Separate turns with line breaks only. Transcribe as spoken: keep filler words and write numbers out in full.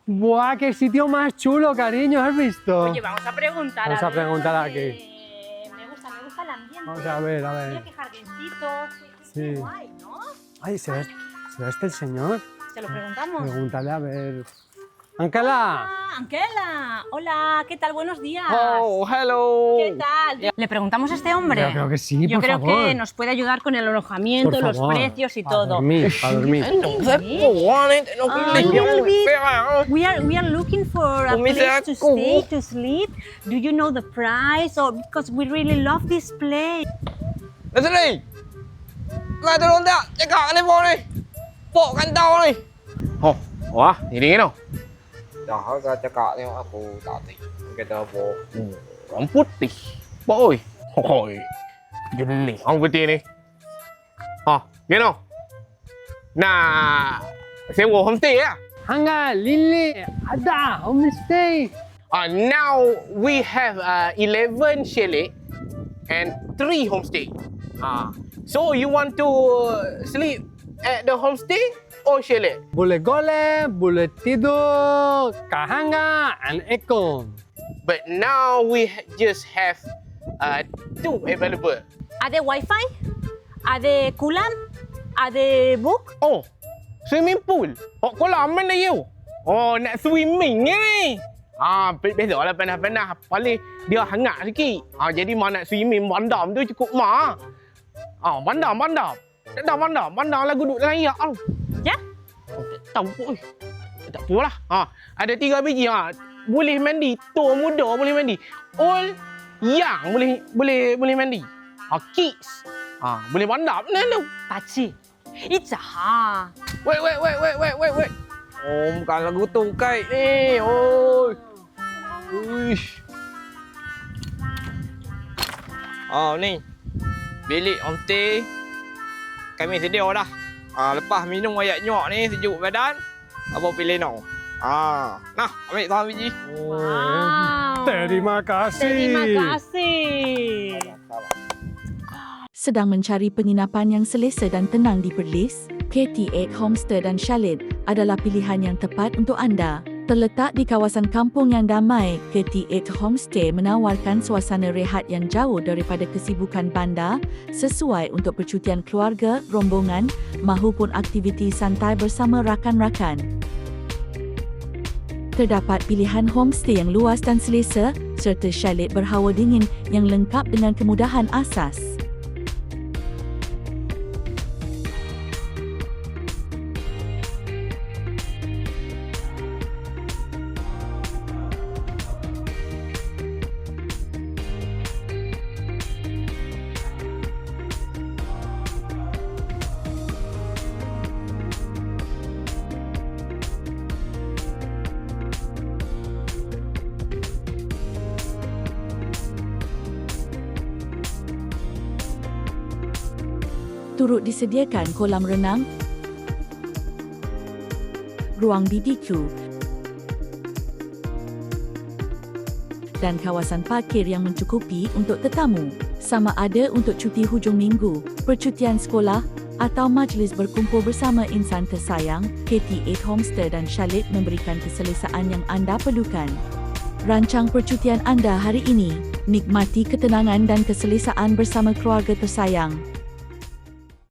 ¡Buah, qué sitio más chulo, cariño! ¿Has visto?
Oye, vamos a preguntar.
Vamos a
ver,
preguntar
eh,
aquí.
Me gusta, me gusta el ambiente.
Vamos a ver, a ver.
Mira qué jardincitos.
Sí.
Qué guay, ¿no?
Ay, ¿será, ¿será este el señor?
Se lo preguntamos.
Pregúntale a ver. ¡Ángela!
Ah, Anquela. Hola, ¿qué tal? Buenos días.
Oh, hello.
¿Qué tal? Le preguntamos a este hombre.
Yo creo que sí,
Yo
por
creo
favor.
que nos puede ayudar con el alojamiento,
Por
los
favor.
precios y
Para
todo.
dormir, para dormir.
Entonces, pues, no
Ah,
quiero
little
muy
bit.
fea.
We are we are looking for a
Umi,
place to
aku.
stay to sleep. Do you know the price? Or because we really love this place.
Leslie, lại tôi đón tao, chạy cả lên vô đi. Bộกันtao đi. Oh, wah, ini no. Dah, kata kak tengok aku tadi. Kata apa? Orang putih. Boy. Hoi. Jenis orang putih ni. Ha, gini. Nah, sewa homestay ya.
¡Anga, Lili! ¡Ada! ¡Homestay!
Uh, now we have uh, eleven chalet and three homestay. Uh, so you want to sleep at the homestay or chalet?
Boleh golem, boleh tidur, kahanga, and ekong.
But now we ha- just have uh, two available.
Ada wifi? Ada kulam? Ada book?
Oh, swimming pool. Oh, kolam mana you? Oh, nak swimming ni. Ah, biasa lah panas-panas. Paling dia hangat sikit. Ah, jadi mau nak swimming bandam tu cukup mah. Ah, bandam, bandam. Tak dah bandam, bandam lah duduk dalam air. Oh.
Ya?
Tak tahu. Tak apalah. Ha, ada tiga biji ha. Boleh mandi. Tua muda boleh mandi. Old young boleh boleh boleh mandi. Ha, kids. Ha, boleh bandap ni tu.
Pakcik. It's ha.
Wait, wait, wait, wait, wait, wait, wait. Oh, bukan lagu tu kai ni. Oi. Uish. Oh, ni. Bilik homestay. Kami sedia dah. Ah, lepas minum air nyok ni sejuk badan, apa pilih no? Ah, nah, ambil satu biji.
Wow.
Terima kasih.
Terima kasih.
Sedang mencari penginapan yang selesa dan tenang di Perlis? K T lapan Homestay dan Chalet adalah pilihan yang tepat untuk anda. Terletak di kawasan kampung yang damai, K T lapan Homestay menawarkan suasana rehat yang jauh daripada kesibukan bandar, sesuai untuk percutian keluarga, rombongan, mahupun aktiviti santai bersama rakan-rakan. Terdapat pilihan homestay yang luas dan selesa, serta chalet berhawa dingin yang lengkap dengan kemudahan asas. Turut disediakan kolam renang, ruang B B Q dan kawasan parkir yang mencukupi untuk tetamu, sama ada untuk cuti hujung minggu, percutian sekolah atau majlis berkumpul bersama insan tersayang. K T lapan Homestay dan Chalet memberikan keselesaan yang anda perlukan. Rancang percutian anda hari ini, nikmati ketenangan dan keselesaan bersama keluarga tersayang.